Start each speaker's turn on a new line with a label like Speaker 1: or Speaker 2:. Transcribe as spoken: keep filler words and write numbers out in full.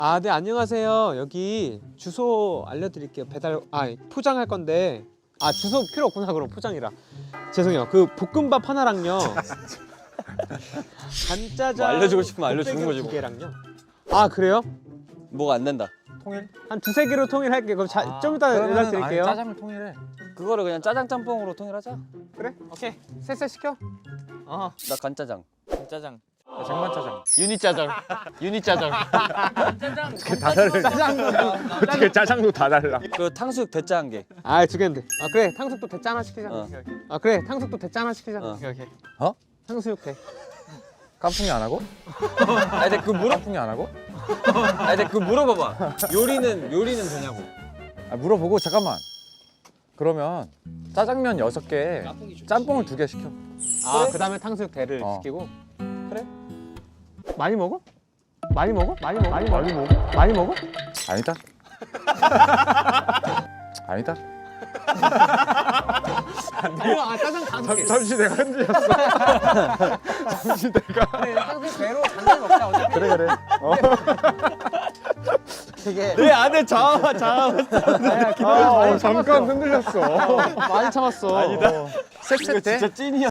Speaker 1: 아, 네, 안녕하세요. 여기 주소 알려드릴게요. 배달, 아, 포장할 건데. 아, 주소 필요 없구나, 그럼 포장이라. 죄송해요. 그 볶음밥 하나랑요. 간짜장.
Speaker 2: 뭐 알려주고 싶으면 알려주는 거지,
Speaker 1: 두
Speaker 2: 뭐.
Speaker 1: 개랑요. 아, 그래요?
Speaker 2: 뭐가 안 된다.
Speaker 3: 통일?
Speaker 1: 한 두세 개로 통일할게요. 그럼 자,
Speaker 3: 아,
Speaker 1: 좀 이따
Speaker 3: 그러면은
Speaker 1: 연락드릴게요.
Speaker 3: 아니, 짜장면 통일해.
Speaker 2: 그거를 그냥 짜장 짬뽕으로 통일하자.
Speaker 1: 그래? 오케이. 셋셋 시켜. 어.
Speaker 2: 나 간짜장.
Speaker 3: 짜장. 장만 짜장.
Speaker 1: 유니짜장. 유니짜장.
Speaker 4: 다 달라. 어떻게 짜장도 다 달라.
Speaker 2: 그 탕수육 대짜 한 개.
Speaker 1: 아, 두 개인데. 아, 그래. 탕수육도 대짜 하나 시키자.
Speaker 2: 어.
Speaker 1: 아, 그래. 탕수육도 대짜 하나 시키자.
Speaker 2: 어.
Speaker 1: 오케이, 오케이.
Speaker 3: 어?
Speaker 1: 탕수육 대.
Speaker 3: 깐풍이 안 하고?
Speaker 2: 아, 근데 그 물어.
Speaker 3: 깐풍이 안 하고?
Speaker 2: 아, 근데 그 물어봐봐. 요리는 요리는 되냐고.
Speaker 3: 아, 물어보고 잠깐만. 그러면 짜장면 여섯 개, 짬뽕을 두 개 시켜.
Speaker 1: 아, 그다음에 탕수육 대를
Speaker 3: 어.
Speaker 1: 시키고.
Speaker 2: 그래?
Speaker 1: 많이 먹어? 많이 먹어? 많이 먹어? 많이 먹어? 많이 먹어? 많이 먹어?
Speaker 3: 아니다. 아니다.
Speaker 1: 아니요, 아, 짜장 다섯 개.
Speaker 4: 잠시 내가 흔들렸어. 잠시 내가.
Speaker 1: 그래, 탕수육 대로 간장 먹자. 어차피.
Speaker 3: 그래 그래. 어.
Speaker 1: 되게.
Speaker 2: 내 안에 자아 자아.
Speaker 1: 아,
Speaker 4: 아, 어, 잠깐 흔들렸어.
Speaker 1: 많이 참았어.
Speaker 2: 아니다.
Speaker 3: 셋셋 대?
Speaker 2: 진짜 찐이야.